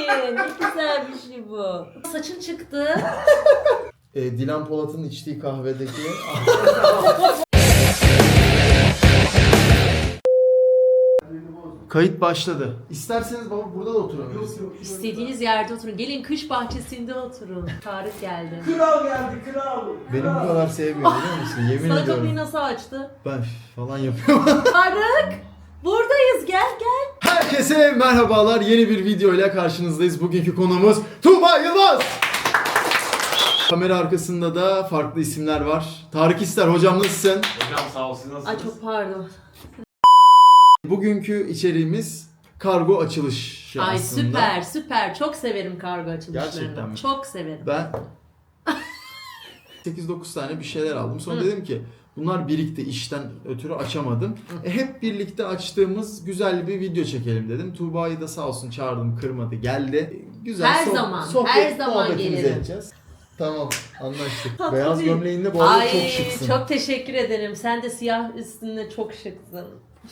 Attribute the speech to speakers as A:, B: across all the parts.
A: Ne güzel bir şey bu. Saçın çıktı.
B: Dilan Polat'ın içtiği kahvedeki... Kayıt başladı. İsterseniz baba burada da oturabiliriz.
A: İstediğiniz yerde oturun. Gelin kış bahçesinde oturun. Tarık geldi.
C: Kral geldi, kral.
B: Beni bu kadar sevmiyor biliyor musun? Yemin
A: Sana
B: ediyorum.
A: kapıyı nasıl açtı?
B: Ben falan yapıyorum.
A: Tarık! Buradayız, gel gel.
B: Herkese merhabalar. Yeni bir video ile karşınızdayız. Bugünkü konuğumuz Tuğba Yılmaz. Kamera arkasında da farklı isimler var. Tarık İster hocam nasılsın?
C: Hocam sağ ol, siz nasılsınız?
A: Ay çok pardon.
B: Bugünkü içeriğimiz kargo açılışı
A: Ay
B: aslında.
A: süper süper. Çok severim kargo açılışlarını.
B: Gerçekten mi?
A: Çok severim.
B: Ben 8-9 tane bir şeyler aldım. Sonra dedim ki bunlar birikti, işten ötürü açamadım. Hep birlikte açtığımız güzel bir video çekelim dedim. Tuğba'yı da sağ olsun çağırdım, kırmadı, geldi. Güzel
A: Her zaman, her zaman
B: muhabbetimizi
A: gelirim.
B: edeceğiz. Tamam, anlaştık.
A: Tatlı
B: Beyaz
A: değil.
B: gömleğinde bu arada
A: Ay,
B: çok şıksın.
A: çok teşekkür ederim. Sen de siyah üstünde çok şıksın.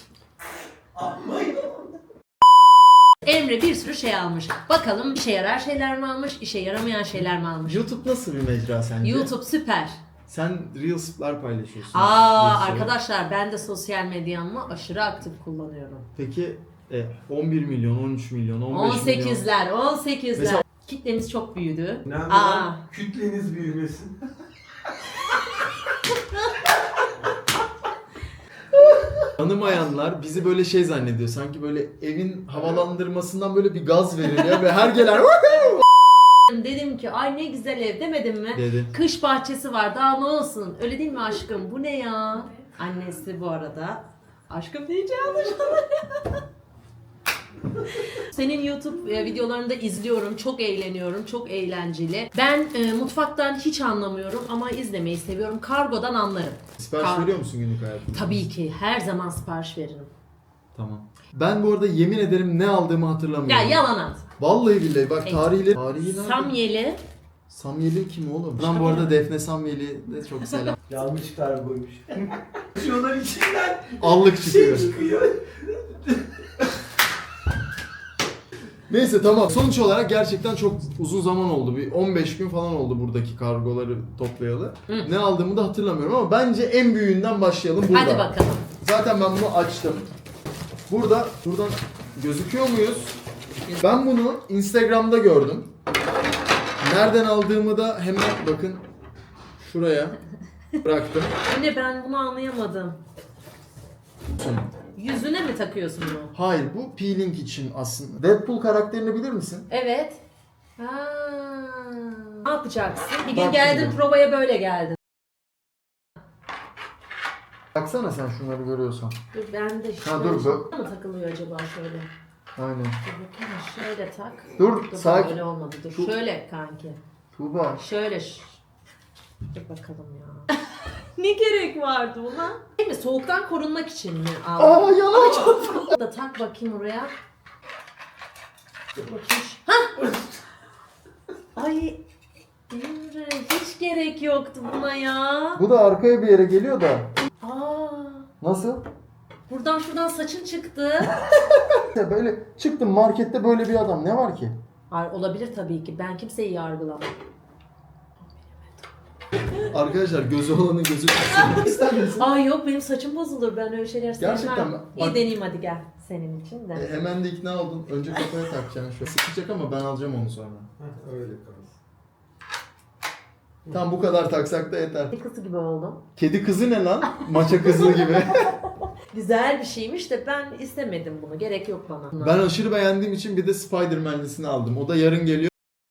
A: Emre bir sürü şey almış. Bakalım işe yarar şeyler mi almış, işe yaramayan şeyler mi almış?
B: YouTube nasıl bir mecra sence?
A: YouTube süper.
B: Sen Reels'lar paylaşıyorsun.
A: Aa
B: Bir sürü.
A: arkadaşlar ben de sosyal medyamı aşırı aktif kullanıyorum.
B: Peki 11 milyon, 13 milyon, 15 milyon.
A: 18'ler, 18'ler.
B: Mesela-
A: Kitlemiz çok büyüdü.
C: Önemli
A: Aa.
C: olan kütleniz büyümesin.
B: Tanımayanlar bizi böyle şey zannediyor. Sanki böyle evin havalandırmasından böyle bir gaz veriliyor ve her gelen
A: Dedim ki ay ne güzel ev demedim mi?
B: dedi.
A: Kış bahçesi var daha ne olsun. Öyle değil mi aşkım? Bu ne ya? Annesi bu arada. Aşkım diyeceğim. Senin YouTube videolarını da izliyorum. Çok eğleniyorum. Çok eğlenceli. Ben mutfaktan hiç anlamıyorum ama izlemeyi seviyorum. Kargodan anlarım.
B: Sipariş veriyor musun günlük hayatında?
A: Tabii ki. Her zaman sipariş veririm.
B: Tamam. Ben bu arada yemin ederim ne aldığımı hatırlamıyorum.
A: Ya yalan at.
B: Vallahi billahi bak
A: Evet.
B: tarihi nerede?
A: Samyeli.
B: Samyeli kim oğlum? Ben bu arada Defne Samyeli de çok selam.
C: Yanlış kargoymuş. Şunların içinden
B: Allık
C: şey
B: çıkıyor.
C: çıkıyor.
B: Neyse tamam. Sonuç olarak gerçekten çok uzun zaman oldu. Bir 15 gün falan oldu buradaki kargoları toplayalı.
A: Hı.
B: Ne aldığımı da hatırlamıyorum ama bence en büyüğünden başlayalım burada.
A: Hadi bakalım.
B: Zaten ben bunu açtım. Buradan gözüküyor muyuz? Ben bunu Instagram'da gördüm. Nereden aldığımı da hemen bakın şuraya bıraktım.
A: Anne ben bunu anlayamadım. Yüzüne mi takıyorsun bunu?
B: Hayır, bu peeling için aslında. Deadpool karakterini bilir misin?
A: Evet. Ha. Ne yapacaksın? Bir gün
B: Bak
A: geldin
B: şimdi.
A: provaya böyle geldin.
B: Baksana sen şunları görüyorsan.
A: Dur ben de
B: Ha, dur,
A: şöyle mı takılıyor acaba şöyle?
B: Aynen.
A: Dur bakayım şöyle tak.
B: Dur, sakin.
A: Öyle olmadı. Dur
B: Dur.
A: şöyle kanki.
B: Tuğba.
A: Şöyle. Dur bakalım ya. Ne gerek vardı buna? Değil mi? Soğuktan korunmak için mi aldın?
B: Aa yalan.
A: Da tak bakayım oraya. Dur bakayım. Hah! Ay Emre hiç gerek yoktu buna ya.
B: Bu da arkaya bir yere geliyor da.
A: Aa,
B: Nasıl?
A: buradan şuradan saçın çıktı.
B: Ya böyle çıktım markette böyle bir adam. Ne var ki?
A: Hayır, olabilir tabii ki. Ben kimseyi yargılamam.
B: Arkadaşlar gözü olanın gözü çıksın. İster misin?
A: Ay yok benim saçım bozulur. Ben öyle şeyler sevmem.
B: Gerçekten mi?
A: İyi
B: Bak-
A: deneyeyim hadi gel senin için de.
B: Hemen de ikna oldun. Önce kafaya takacaksın şu. Sıkacak ama ben alacağım onu sonra.
C: Öyle kalsın.
B: Tam bu kadar taksak da yeter.
A: Bir kızı gibi oldum.
B: Kedi kızı ne lan? Maça kızı gibi.
A: Güzel bir şeymiş de ben istemedim bunu. Gerek yok bana.
B: Ben aşırı beğendiğim için bir de Spider-Man'lisini aldım. O da yarın geliyor.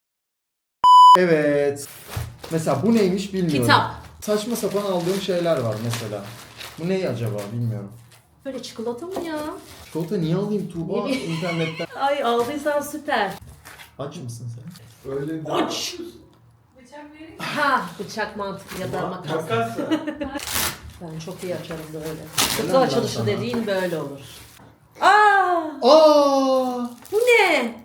B: Evet. Mesela bu neymiş bilmiyorum.
A: Kitap.
B: Saçma sapan aldığım şeyler var mesela. Bu ne acaba bilmiyorum.
A: Böyle çikolata mı ya?
B: Çikolata niye alayım Tuğba
A: Ne bileyim.
B: internetten?
A: Ay aldıysan süper.
B: Aç mısın sen?
C: Öyle
A: Aç. Ha bıçak mantıklı ya da makas.
C: Makas da.
A: Ben çok iyi açarım böyle.
B: Helal
A: Kutu
B: lan
A: açılışı
B: sana.
A: dediğin böyle olur. Aa!
B: Aa!
A: Bu ne?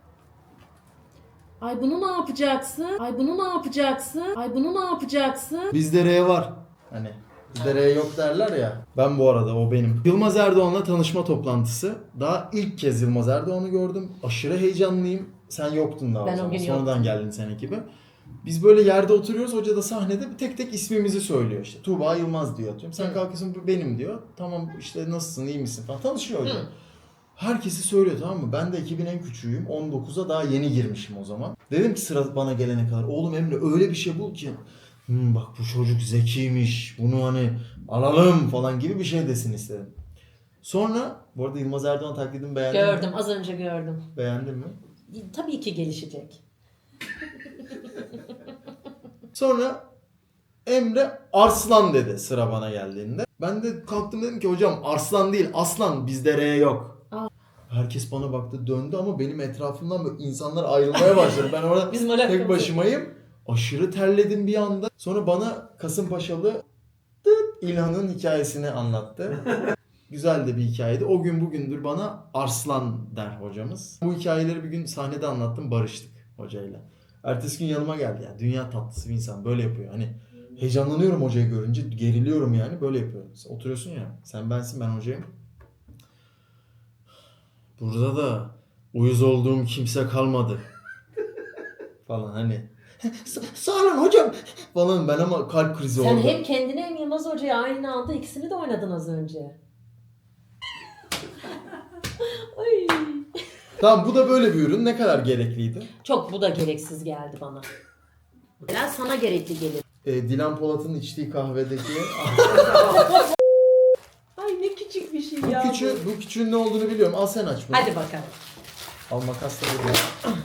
A: Ay bunu ne yapacaksın? Ay bunu ne yapacaksın? Ay bunu ne yapacaksın?
B: Bizde R var. Hani Dereye yok derler ya. Ben bu arada o benim. Yılmaz Erdoğan'la tanışma toplantısı. Daha ilk kez Yılmaz Erdoğan'ı gördüm. Aşırı heyecanlıyım. Sen yoktun daha
A: Ben
B: o zaman.
A: o gün
B: Sonradan
A: yoktum.
B: geldin sen ekibe. Biz böyle yerde oturuyoruz. Hoca da sahnede tek tek ismimizi söylüyor işte. Tuğba Yılmaz diyor atıyorum. Sen kalkıyorsun bu benim diyor. Tamam işte nasılsın iyi misin falan. Tanışıyor hoca. Herkesi söylüyor tamam mı? Ben de ekibin en küçüğüyüm. 19'a daha yeni girmişim o zaman. Dedim ki sıra bana gelene kadar. Oğlum Emre öyle bir şey bul ki. Bak bu çocuk zekiymiş. Bunu hani alalım falan gibi bir şey desin istedim. Sonra bu arada Yılmaz Erdoğan taklidimi beğendin mi?
A: Gördüm, az önce gördüm.
B: Beğendin mi?
A: Tabii ki gelişecek.
B: Sonra Emre Arslan dedi sıra bana geldiğinde. Ben de kalktım dedim ki hocam Arslan değil Aslan bizde R yok.
A: Aa.
B: Herkes bana baktı döndü ama benim etrafımdan böyle insanlar ayrılmaya başladı. Ben orada
A: Bizim alakamız
B: tek başımayım. Aşırı terledim bir anda. Sonra bana Kasımpaşalı İlhan'ın hikayesini anlattı. Güzel de bir hikayeydi. O gün bugündür bana Arslan der hocamız. Bu hikayeleri bir gün sahnede anlattım, barıştık hocayla. Ertesi gün yanıma geldi ya. Dünya tatlısı bir insan böyle yapıyor. Hani heyecanlanıyorum hocayı görünce, geriliyorum yani böyle yapıyor. Oturuyorsun ya, sen bensin ben hocayım. Burada da uyuz olduğum kimse kalmadı. Falan hani. Sağ olun hocam falan ben ama kalp krizi
A: Sen
B: oldu.
A: hem kendine hem Yılmaz Hoca'ya aynı anda ikisini de oynadın az önce. Ay.
B: Tamam bu da böyle bir ürün. Ne kadar gerekliydi?
A: Çok bu da gereksiz geldi bana. Ben sana gerekli gelir.
B: Dilan Polat'ın içtiği kahvedeki...
A: Ay ne küçük bir şey ya.
B: bu küçüğün ne olduğunu biliyorum. Al sen aç bunu.
A: Hadi bakalım.
B: Al makas da burada.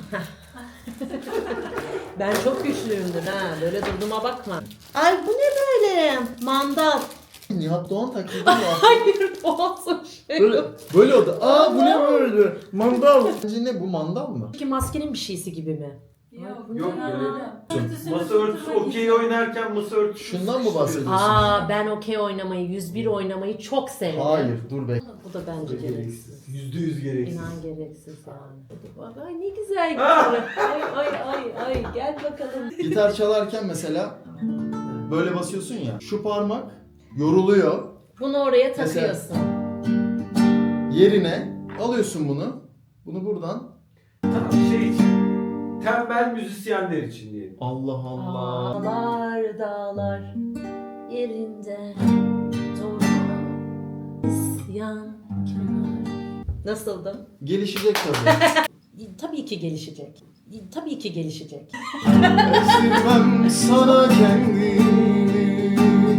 A: Ben çok güçlüyümdür ha. Böyle durduğuma bakma. Ay bu ne böyle? Mandal.
B: Nihat Doğan taklidi mi var?
A: Hayır boğazım şey.
B: Böyle oldu. Aa bu ne böyle? Mandal. Sence ne bu mandal mı?
A: Peki maskenin bir şeysi gibi mi?
C: Yok masa örtüsü okey oynarken masa örtüsü.
B: Şundan mı bahsediyorsun?
A: Aa ben okey oynamayı, 101 oynamayı çok severim.
B: Hayır dur be.
A: Bu da bence gereksiz.
C: %100 gereksiz.
A: İnan gereksiz yani. Bak, ay ne güzel gitar. Ay gel bakalım.
B: Gitar çalarken mesela böyle basıyorsun ya. Şu parmak yoruluyor.
A: Bunu oraya
B: Mesela-
A: takıyorsun.
B: Yerine alıyorsun bunu. Bunu buradan.
C: Tamam şey için. Tembel müzisyenler için diyelim.
B: Allah Allah.
A: Dağlar dağlar yerinde durma isyankar. Nasıldım?
B: Gelişecek tabii.
A: Tabii ki gelişecek. Tabii ki gelişecek.
B: Esirmem sana kendimi,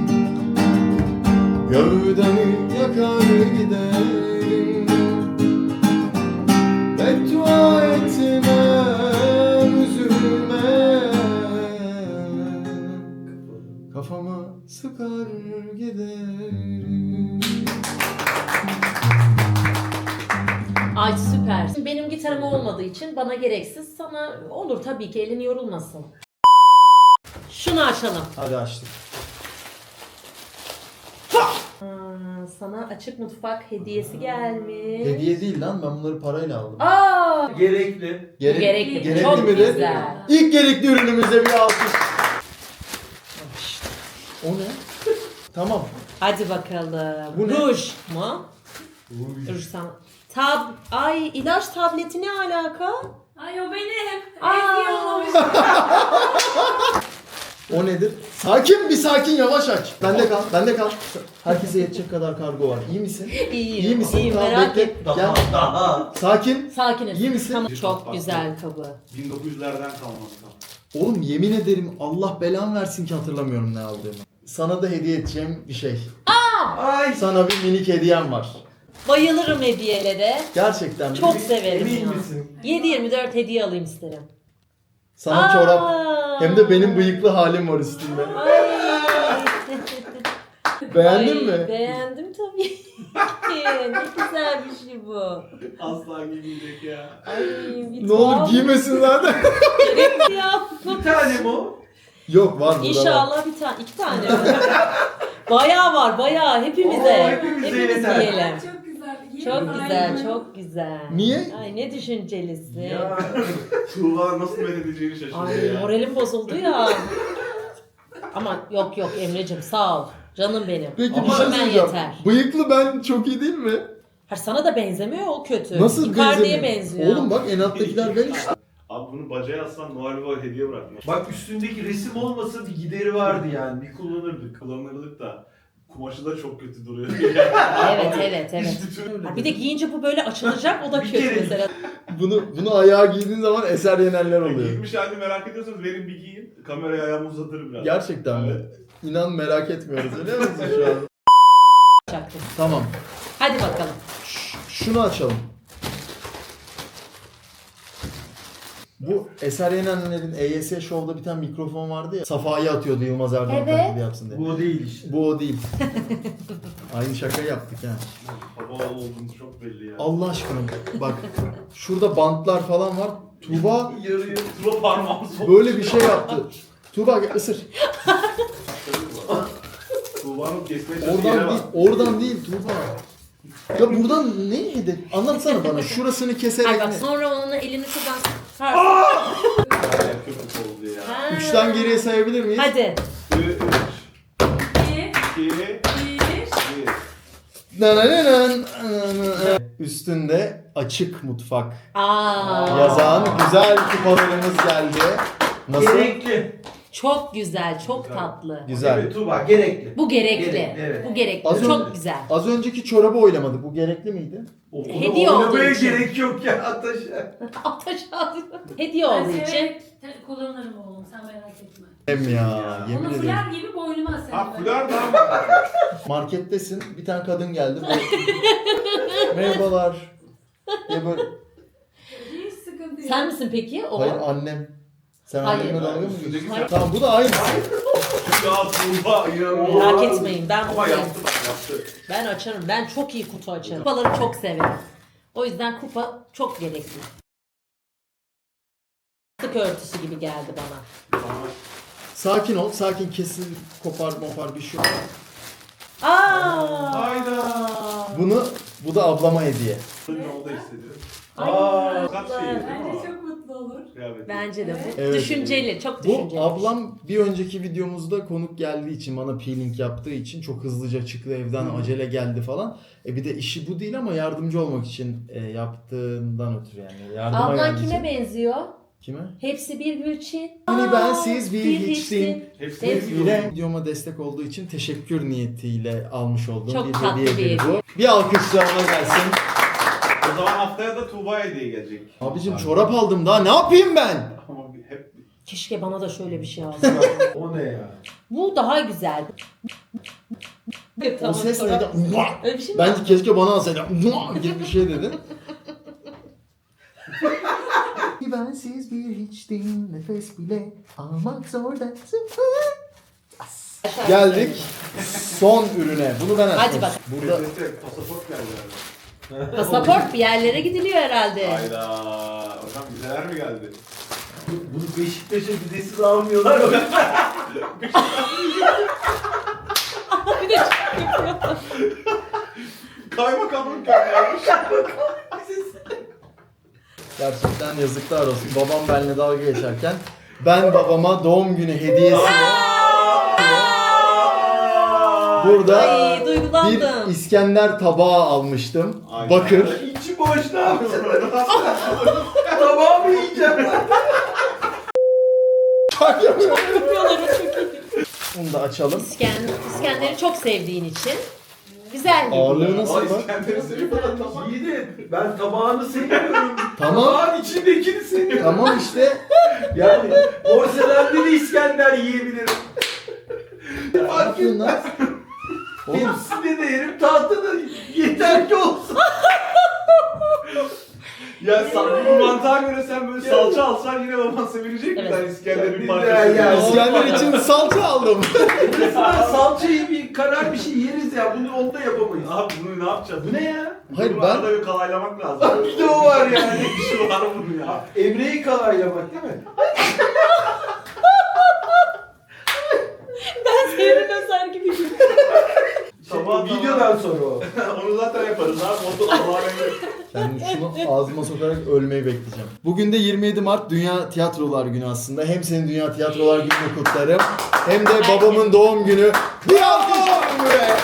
B: gövdemi yakar giderim. Beddua etmem, üzülme, kafama sıkar giderim.
A: Ay süper. Benim gitarım olmadığı için bana gereksiz. Sana olur tabii ki elin yorulmasın. Şunu açalım.
B: Hadi açtık.
A: Sana açık mutfak hediyesi gelmiş.
B: Hediye değil lan, ben bunları parayla aldım.
A: Aa!
C: Gerekli.
A: Gerekli.
B: Gerekli
A: Çok
B: mi de?
A: güzel.
B: İlk gerekli ürünümüze bir alkış. O ne? Tamam.
A: Hadi bakalım.
B: Bu ne?
A: Ruj mu? Ruj sana. Ay ilaç tableti ne alaka?
D: Ay o benim.
A: Aa.
B: O nedir? Sakin bir sakin yavaş aç. Bende kal, bende kal. Herkese yetecek kadar kargo var. İyi misin?
A: İyiyim.
B: İyi misin?
A: İyiyim,
B: Tamam,
A: merak
B: bekle.
A: etme.
B: Gel.
C: Daha.
B: Sakin.
A: Sakinim.
B: İyi misin?
A: Tamam. Çok güzel kabı.
C: 1900'lerden kalmadı.
B: Oğlum yemin ederim Allah belamı versin ki hatırlamıyorum ne aldığımı. Sana da hediye edeceğim bir şey.
C: Ay.
B: Sana bir minik hediyem var.
A: Bayılırım hediyelere.
B: Gerçekten.
A: Çok
B: bir-
A: severim
C: Emin
A: ya.
C: misin?
A: 7/24 hediye alayım isterim.
B: Sana
A: Aa.
B: çorap. Hem de benim bıyıklı halim var üstünde.
A: Ay.
B: Beğendin
A: Ay,
B: mi?
A: Beğendim tabii ki. Ne güzel bir şey bu.
C: Asla giymeyecek ya.
A: Ay bir
B: Ne olur
A: tuhaf.
B: giymesin zaten.
A: Gerekli ya.
C: Bir tane mi o?
B: Yok var burada var.
A: İnşallah bir tane, 2 tane mi? Bayağı var, bayağı. Hepimize.
C: Oo, hepimize
A: Hepimiz
C: yeter.
A: yiyelim.
D: Çok güzel.
A: Çok güzel, çok güzel.
B: Niye?
A: Ay ne düşüncelisin.
C: Ya. Tuğla nasıl mededeceğini şaşırıyor
A: Ay
C: ya.
A: moralim bozuldu ya. Ama yok Emre'cim sağ ol. Canım benim.
B: Peki
C: Ama
B: bir şey
A: hemen
B: söyleyeceğim.
A: yeter.
B: Bıyıklı ben çok iyi değil mi?
A: Ha, sana da benzemiyor, o kötü.
B: Nasıl
A: Icardi'ye
B: benzemiyor?
A: benziyor.
B: Oğlum bak en alttakiler ben işte.
C: Abi bunu bacağa aslan Noel Baba hediye bırakmış. Bak üstündeki resim olmasa bir gideri vardı yani. Bir kullanırdık. Kullanırdık da. Kumaşı da çok kötü duruyor.
A: Evet. Ha, bir de giyince bu böyle açılacak, o da
C: Bir
A: kötü
C: kere-
A: mesela.
B: Bunu ayağa giydiğin zaman eser yenerler oluyor.
C: Giymiş halini merak ediyorsanız verin bir giyin. Kameraya ayağımı uzatırım biraz.
B: Gerçekten mi?
C: Evet.
B: İnan merak etmiyoruz biliyor musun şu an? Tamam.
A: Hadi bakalım.
B: Şunu açalım. Bu Eser Yenenler'in EYS Show'da bir tane mikrofon vardı ya. Safa'yı atıyordu Yılmaz Erdoğan
A: Evet.
B: taklidi yapsın diye.
C: Bu o değil işte.
B: Bu o değil. Aynı şaka yaptık yani.
C: Baba olduğunuz çok belli ya.
B: Allah aşkına bak şurada bantlar falan var. Tuğba
C: Yarıyor. Tuba parmağımı soktu.
B: böyle bir şey yaptı. Tuğba gel ısır.
C: Tuğba'nın kesmeye çalıştığı yere
B: Oradan değil,
C: bak.
B: oradan değil Tuğba. Ya buradan ne hedef? Anlatsana bana. Şurasını keserek
A: Ay bak
B: ne?
A: sonra onun elini şuradan...
C: Ay, köpük oldu ya.
A: Ha.
B: Üçten geriye sayabilir miyiz?
A: Hadi.
C: 2, 2, 1.
B: Nanananan. Üstünde açık mutfak.
A: Aa.
B: Yazan güzel kupalarımız geldi. Nasıl?
D: Gerekli.
A: Çok güzel, çok
C: Güzel.
A: tatlı.
B: Güzel.
D: Evet Tuğba gerekli.
A: Bu gerekli.
D: Gerekli, evet.
A: Bu gerekli.
B: Az
A: çok
B: önce-
A: güzel.
B: Az önceki çorabı oylamadık. Bu gerekli miydi?
A: Hediye olduğu
D: Oynamaya
A: için.
D: gerek yok ya Ataş'a.
A: Ataş aldı. Hediye olduğu için.
E: Kullanırım oğlum, sen merak etme.
B: Hem ya,
C: Ya.
B: yemin
E: Onu
B: ederim.
E: fular gibi boynuma asarım.
C: Ha
E: ben.
C: fular da
B: Markettesin. Bir tane kadın geldi. Merhabalar. Diye böyle.
E: Hiç sıkıntı yok.
A: Sen misin peki? O.
B: Hayır annem. Sen
A: Hayır.
B: anneme dalga mı
C: Üstündeki
B: geçiyorsun?
A: sen-
B: Tamam bu da aynı.
C: Ya Tuğba inanılmaz.
A: Merak etmeyin, ben
C: Ama
A: buradayım.
C: yaptı bak yaptı.
A: Ben açarım. Ben çok iyi kutu açarım. Kupaları çok severim. O yüzden kupa çok gerekli. Sık örtüsü gibi geldi bana.
B: Sakin ol. Sakin kesin kopar mopar bir şey yok.
A: Aa!
C: Hayda.
B: Bu da ablama hediye.
C: Ne oldu hissediyorum.
A: Ay,
C: Kaç
A: güzel.
C: şey değil mi
E: Bence
C: o?
E: çok mutlu olur.
C: Kıyafeti.
A: Bence de bu.
B: Evet.
A: Düşünceli, çok
B: Bu
A: düşünceli.
B: ablam bir önceki videomuzda konuk geldiği için bana peeling yaptığı için çok hızlıca çıktı evden acele geldi falan. Bir de işi bu değil ama yardımcı olmak için yaptığından ötürü yani. Yardıma
A: Ablan
B: geldiği
A: kime
B: için.
A: benziyor?
B: Kime?
A: Hepsi bir Gülçin.
B: Hani bensiz bir
A: hiçsin.
B: hiçsin.
C: Hepsi
B: Hepsiyle videoma destek olduğu için teşekkür niyetiyle almış olduğum
A: Çok
B: bir
A: tatlı
B: hediye
A: bir
B: bu. Bir alkış daha ona gelsin.
C: O zaman haftaya da Tuğba hediye gelecek.
B: Abicim çorap aldım daha ne yapayım ben?
C: Ama hep
A: Keşke bana da şöyle bir şey alsın.
D: O ne ya?
A: Bu daha güzel.
B: O ses neydi?
A: Öyle bir şey mi?
B: Bence keşke bana alsaydı. Gibi bir şey dedin. Bensiz bir hiçtim, nefes bile almak zorda. Geldik son ürüne. Bunu ben açtım.
A: Hadi bak.
B: Burada
C: pasaport geldi.
A: Pasaport bir yerlere gidiliyor herhalde.
C: Hayda. Hocam vizeler mi geldi?
D: Bunu Beşiktaş'a vizesiz almıyorlar mı?
A: Bir de
C: Kaymakamlık göndermiş.
B: gerçekten yazıklar olsun. Babam benimle dalga geçerken ben babama doğum günü hediyesi burada
A: Ay, duygulandım.
B: bir İskender tabağı almıştım.
C: Aynen.
B: Bakır.
D: İçi boş ne yapacaksın? Tabağı mı yiyeceğim lan?
A: yapıyorlar o çok iyi.
B: Bunu da açalım.
A: İskender'i çok sevdiğin için güzel bir
B: Ağırlığı
A: hediye.
B: nasıl
C: Ay
B: bak?
C: İskender'i seviyorum tamam.
D: İyi de ben tabağını seviyorum.
B: Tamam.
D: Tabağın içindekini seviyorum.
B: Tamam işte.
D: Yani porselende de İskender yiyebilirim.
B: Ne yapıyorsun lan? Oğlum
D: Hepsini de yerim, tahtada yeter ki olsun.
C: Ya bu mantığa göre sen böyle salça alsan yine baban sevilecek mi?
A: Evet.
C: Ben İskender'in bir
D: Ya,
C: parçası.
D: ya.
B: İskender için salça aldım.
D: Mesela salçayı bir karar bir şey yeriz ya, bunu onda yapamayız.
C: Abi bunu ne yapacağız?
D: Bu ne ya?
B: Hayır,
C: Bunu
B: ben-
C: arada bir kalaylamak lazım.
D: Bir de o var yani.
C: Bir şey var bunun ya.
D: Emre'yi kalaylamak değil mi?
A: Ben Sevim Özer gibi.
C: Sabah
D: Videoda yemekten sonra o.
C: Onu zaten yaparız abi. Onu Allah'a emanet.
B: Ben şunu ağzıma sokarak ölmeyi bekleyeceğim. Bugün de 27 Mart Dünya Tiyatrolar Günü aslında. Hem senin Dünya Tiyatrolar Günü'nü kutlarım. Hem de babamın doğum günü. Bir alkış buraya.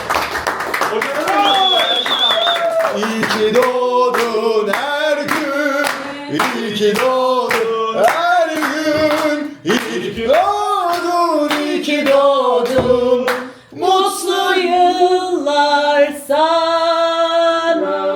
B: İyi ki doğdun her gün. İyi ki doğdun her gün. İyi ki doğdun, iyi ki doğdun.
A: Mutlu yıllar sana.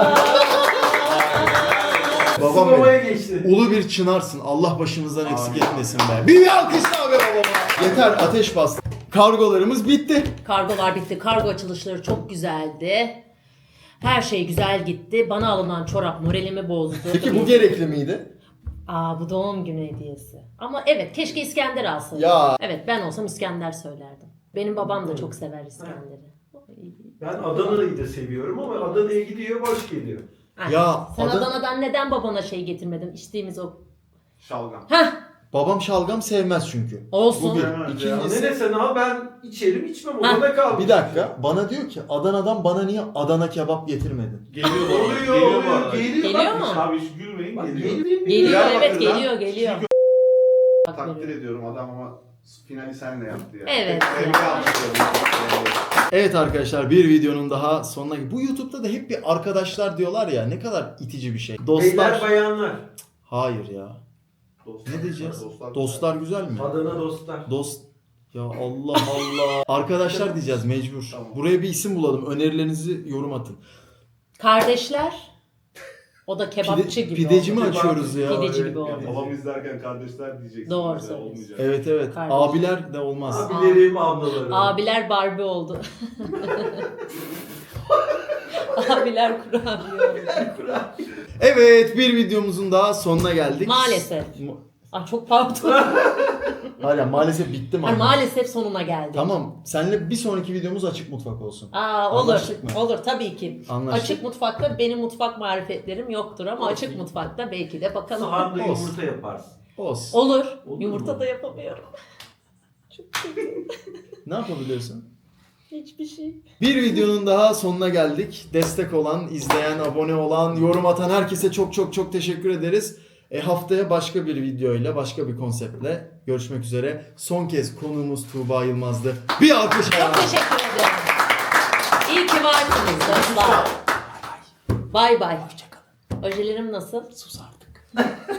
B: Babam benim.
D: Sinemaya geçti.
B: Ulu bir çınarsın. Allah başımızdan eksik etmesin be. Bir alkış daha be babama. Yeter, ateş bastı. Kargolarımız bitti.
A: Kargolar bitti. Kargo açılışları çok güzeldi. Her şey güzel gitti. Bana alınan çorap moralimi bozdu.
B: Peki bu gerekli miydi?
A: Bu doğum günü hediyesi. Ama evet, keşke İskender alsaydım.
B: Ya.
A: Evet, ben olsam İskender söylerdim. Benim babam da çok sever İskender'i.
D: Ben Adana'yı da seviyorum ama Adana'ya gidiyor boş geliyor.
A: Ay,
B: Ya,
A: sen
B: Adana-
A: Adana'dan neden babana şey getirmedin? İçtiğimiz o...
C: Şalgam.
A: Heh,
B: Babam şalgam sevmez çünkü.
A: olsun.
B: Bu bir.
C: Sevmez ya.
B: İkincisi,
D: Ne sen ha ben içerim içmem
A: Ha.
D: orada kalmış.
B: bir dakika. Bana diyor ki Adana'dan bana niye Adana kebap getirmedin?
C: Geliyor bu arada.
D: Oluyor
C: Geliyor bu
D: oluyor
C: arada.
D: geliyor.
A: Geliyor
D: Bak,
A: mu?
C: Abi hiç gülmeyin
D: Bak,
C: geliyor.
D: geliyor.
A: Geliyor, evet,
C: Diyarbakır'dan
A: geliyor. Bak
C: Takdir
A: veriyorum.
C: ediyorum adam ama finali senle yaptı ya.
A: Evet
C: Tebrik
A: ya.
C: alkışlıyorum.
B: Evet arkadaşlar, bir videonun daha sonuna. Bu YouTube'da da hep bir arkadaşlar diyorlar ya, ne kadar itici bir şey. Dostlar.
D: Beyler bayanlar.
B: Hayır ya.
C: Dostlar,
B: Ne diyeceğiz?
C: Dostlar.
B: Dostlar güzel mi?
D: Adana dostlar.
B: Dost. Ya Allah Allah. Arkadaşlar diyeceğiz mecbur.
C: Tamam.
B: Buraya bir isim bulalım. Önerilerinizi yorum atın.
A: Kardeşler. O da kebapçı gibi
B: pideci
A: oldu.
B: mi açıyoruz ya?
A: Pideci
D: Evet,
A: gibi oldu.
C: Ya, babam izlerken kardeşler diyeceksin.
A: Doğru
C: mesela,
A: söylüyorsun.
C: olmayacak.
B: Evet evet.
A: Kardeş.
B: Abiler de olmaz.
D: Abilerim, ablalarım.
A: Abiler Barbie oldu. Abiler kurabiye oldu.
B: Evet, bir videomuzun daha sonuna geldik.
A: Maalesef. Çok pardon.
B: Hala maalesef bitti mi?
A: Hani maalesef sonuna geldik.
B: Tamam. Seninle bir sonraki videomuz açık mutfak olsun.
A: Olur.
B: Anlaştık mı?
A: Olur tabii ki.
B: Anlaştık.
A: Açık mutfakta benim mutfak marifetlerim yoktur ama açık mutfakta belki de bakalım.
D: Sahanda
B: Olsun.
D: yumurta yaparsın.
B: Olsun.
A: Olur.
D: Olur
A: Yumurta
D: mu?
A: da yapamıyorum.
B: Ne yapabiliyorsun?
A: Hiçbir şey.
B: Bir videonun daha sonuna geldik. Destek olan, izleyen, abone olan, yorum atan herkese çok çok çok teşekkür ederiz. Haftaya başka bir videoyla, başka bir konseptle görüşmek üzere. Son kez konuğumuz Tuğba Yılmaz'dı. Bir alkış.
A: Çok teşekkür ederim. İyi ki varsınız dostlar. Bay bay. Hoşçakalın. Ojelerim nasıl?
B: Sus artık.